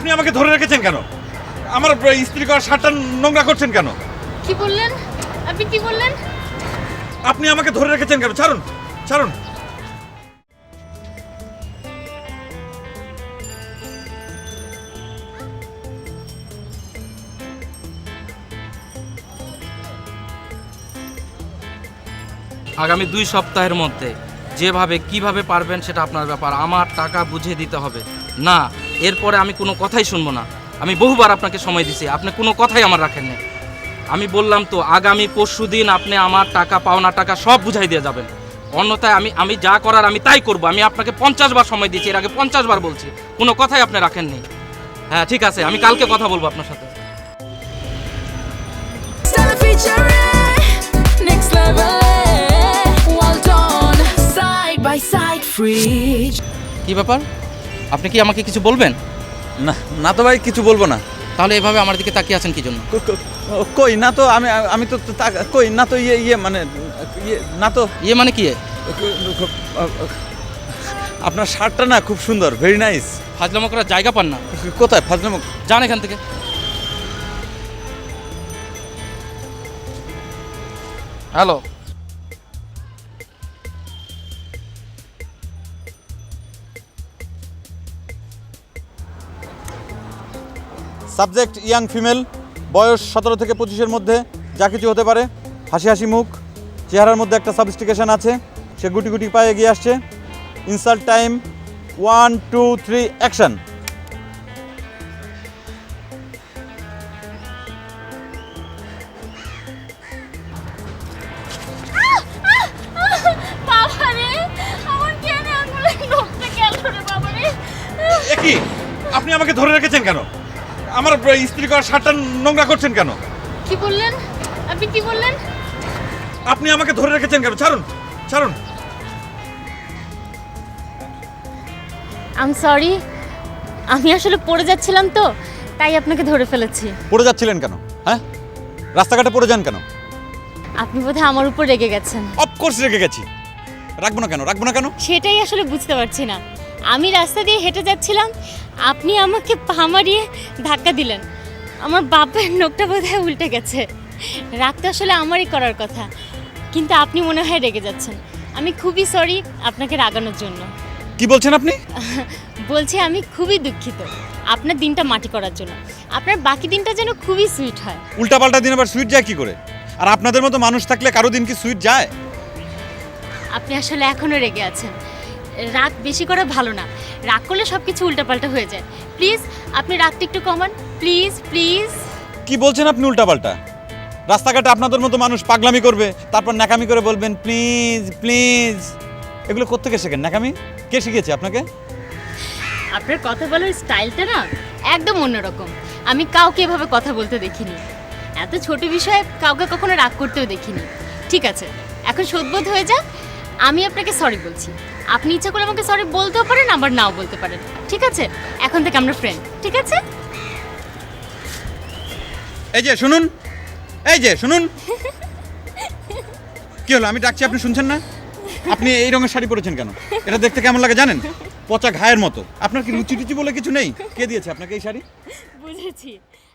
আপনি আমাকে ধরে রেখেছেন কেন? আমার ইস্ত্রি করা শার্টটা নোংরা করছেন কেন? কি বললেন? আপনি কি বললেন? আপনি আমাকে ধরে রেখেছেন কেন? ছাড়ুন, ছাড়ুন। আগামী 2 সপ্তাহের মধ্যে যেভাবে কিভাবে পারবেন সেটা আপনার ব্যাপার, আমার টাকা বুঝিয়ে দিতে হবে। না, এরপরে আমি কোনো কথাই শুনবো না। আমি বহুবার আপনাকে সময় দিছি, আপনি কোনো কথাই আমার রাখেননি। আমি বললাম তো আগামী পরশুদিন আপনি আমার টাকা পাওনা টাকা সব বুঝাই দিয়ে যাবেন, অন্যথায় আমি যা করার আমি তাই করব। আমি আপনাকে 50 বার সময় দিয়েছি, এর আগে 50 বার বলছি, কোনো কথাই আপনি রাখেননি। হ্যাঁ ঠিক আছে, আমি কালকে কথা বলবো আপনার সাথে। Stella featuring next level. Well done, side by side, free. কি ব্যাপার, আপনি কি আমাকে কিছু বলবেন? না, না তো ভাই, কিছু বলবো না। তাহলে এভাবে আমার দিকে তাকিয়ে আছেন কি জন্য? কই না তো, আমি তো কই না তো, মানে না তো। ইয়ে মানে কি? আপনার শার্টটা না খুব সুন্দর, ভেরি নাইস। ফাজলামো করার জায়গা পান না। কোথায় ফাজলামো? যান এখান থেকে। হ্যালো, সাবজেক্ট ইয়াং ফিমেল, বয়স 17 থেকে 25-এর মধ্যে, যা কিছু হতে পারে। হাসি হাসি মুখ, চেহারার মধ্যে একটা সাবস্টিকেশন আছে, সে গুটি গুটি পায়ে এগিয়ে আসছে। Insult time, 1 2 3 action. বাবারে, আমার কেন আঙুলে নখটা গেল রে বাবারে। কি আপনি আমাকে ধরে রেখেছেন কেন? আমার ইস্ত্রি করা শার্টটা নোংরা করছেন কেন? কি বললেন? আপনি কি বললেন? আপনি আমাকে ধরে রেখেছেন কেন? ছাড়ুন, ছাড়ুন। আই এম সরি, আমি আসলে পড়ে যাচ্ছিলাম তো, তাই আপনাকে ধরে ফেলেছি। পড়ে যাচ্ছিলেন কেন? হ্যাঁ, রাস্তাঘাটে পড়ে যান কেন? আপনি বোধহয় আমার উপর রেগে গেছেন। অফকোর্স রেখে গেছি। রাখবো না কেন, রাখবো না কেন? সেটাই আসলে বুঝতে পারছি না। আমি রাস্তা দিয়ে হেঁটে যাচ্ছিলাম, আপনি আমাকে পা মারিয়ে ধাক্কা দিলেন। আমার বাপের নখটা বোধহয় উল্টে গেছে। রাগটা আসলে আমারই করার কথা, কিন্তু আপনি মনে হয় রেগে যাচ্ছেন। আমি খুবই সরি আপনাকে রাগানোর জন্য। কি বলছেন আপনি? বলছি আমি খুবই দুঃখিত আপনার দিনটা মাটি করার জন্য। আপনার বাকি দিনটা যেন খুবই সুইট হয়। উল্টাপাল্টা দিন আবার সুইট যায় কি করে? আর আপনাদের মতো মানুষ থাকলে কারো দিন কি সুইট যায়? আপনি আসলে এখনও রেগে আছেন। রাগ বেশি করা ভালো না, রাগ করলে সব কিছু উল্টাপাল্টা হয়ে যায়। প্লিজ আপনি রাগটা একটু কমান, প্লিজ প্লিজ। কি বলছেন আপনি উল্টাপাল্টা? রাস্তাঘাটে আপনাদের মতো মানুষ পাগলামি করবে, তারপর ন্যাকামি করে বলবেন প্লিজ প্লিজ। এগুলো কোত্থেকে শেখেন ন্যাকামি? কে শিখিয়েছে আপনাকে? আপনার কথা বলার স্টাইলটা না একদম অন্যরকম। আমি কাউকে এভাবে কথা বলতে দেখিনি, এত ছোট বিষয়ে কাউকে কখনো রাগ করতেও দেখিনি। ঠিক আছে, এখন শোধবোধ হয়ে যাক, আমি আপনাকে সরি বলছি। আপনি ইচ্ছা করে আমাকে সরি বলতেও পারেন, আবার নাও বলতে পারেন। ঠিক আছে, এখন থেকে আমরা ফ্রেন্ড, ঠিক আছে? এই যে শুনুন, এই যে শুনুন। কি হলো, আমি ডাকছি আপনি শুনছেন না? আপনি এই রঙের শাড়ি পরেছেন কেন? এটা দেখতে কেমন লাগে জানেন? পচা ঘায়ের মতো। আপনার কি রুচি টুচি বলে কিছু নেই? কে দিয়েছে আপনাকে এই শাড়ি? বুঝেছি,